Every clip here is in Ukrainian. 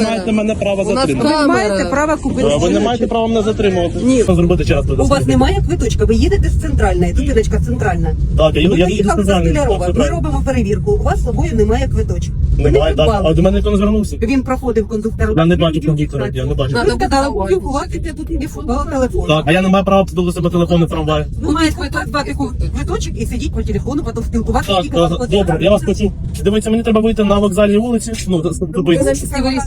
маєте мене права У нас затримати. Ви маєте право купити. Ви не маєте права мене затримувати. Ні. Що зробити час? У вас немає квиточка, ви їдете з центральної, зупиночка центральна. Так, я Ви їду поїхали з за центральної. Столярова, ми робимо перевірку, у вас з собою немає квиточка. Ви не Немає, так. придбали. А до мене ніхто не звернувся. Він проходив кондуктора. Я не бачу кондуктора, я не бачу. Ви сказали, спілкуватися тут телефон. Так, а я не маю права до себе телефону в трамваї. Ви маєте брати квиточок і сидіти по телефону, потім спілкуватися. Так, тільки вам потрібно. добре, я вас почув. Дивіться, мені треба вийти на вокзальній вулиці. Ну, зупинитися.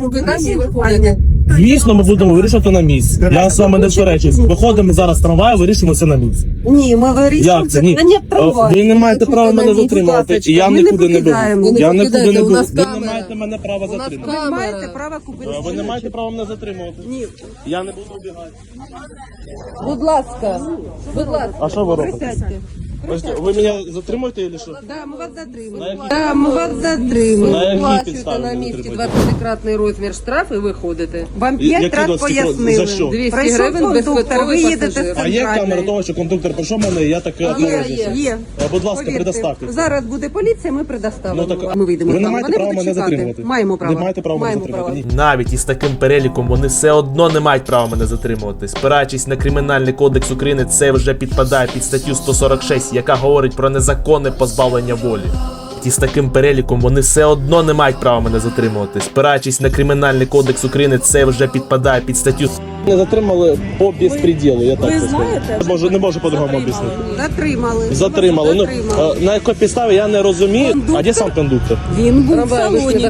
Звісно, ми будемо вирішувати на місці. Я з вами не сперечуюсь. Виходимо зараз з трамваю, вирішимо все на місці. Ні, ми вирішуємо Як це? Ні. питання трамваю. Ви не маєте права мене затримувати, і я Ми не нікуди не покидаємо. буду. Ви Я не нікуди не покидаєте, у буду. нас Ви не камера. маєте мене права затримати. Ви маєте право купити. Ви не маєте права мене затримувати. Ні. Я не буду убігати. Будь ласка, будь ласка. А що ви робите? Присядьте. Ви мене затримуєте чи що? Да, ми вас затримали. На якій- Да, ми вас затримали. На якій Плачуєте підставі на ви місці затримуєте? 20-кратний розмір штраф і виходите. Вам Які 5 разів 20 кроків? пояснили. За що? 200 Прийшов гривень кондуктор, ви безквитковий їдете пасажир. з А є камера центральної. того, що кондуктор прийшов мене, і я таке Є, отморозився? є. Будь ласка, Повірте, предоставте. Зараз буде поліція, ми предоставимо. Ну, так, Ми вийдемо. ви не там. маєте Вони права будуть мене чекати. затримувати. Маємо право. Не маєте права мене Маємо затримувати. право. Ні. Навіть із таким переліком вони все одно не мають права мене затримувати. Спираючись на Кримінальний кодекс України, це вже підпадає під статтю 146, яка говорить про незаконне позбавлення волі. І з таким переліком вони все одно не мають права мене затримувати. Спираючись на Кримінальний кодекс України, це вже підпадає під статтю. Мене затримали по безпреділу, я так Ви це знаєте? скажу. Не можу по-другому об'яснити. Затримали. Затримали. Ну, Затримали. на якій підставі я не розумію. А де сам кондуктор? Він був в Трамвай вийшли салоні.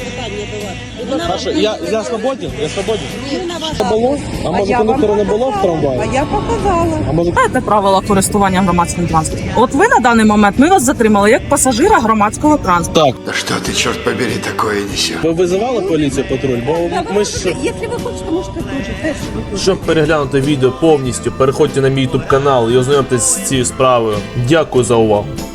Саша, я свободен? Я свободен? Було? А може я вам кондуктора не було в А трамваї? я показала. А може Знаєте правила користування громадським транспортом? От ви на даний момент ми вас затримали як пасажира громадського транспорту. так. Да что ты, черт побери, такое несешь? Ви визивали поліцію патруль? Бо ми ж... Якщо ви хочете, можете теж. Щоб переглянути відео повністю, переходьте на мій YouTube канал і ознайомтесь з цією справою. Дякую за увагу.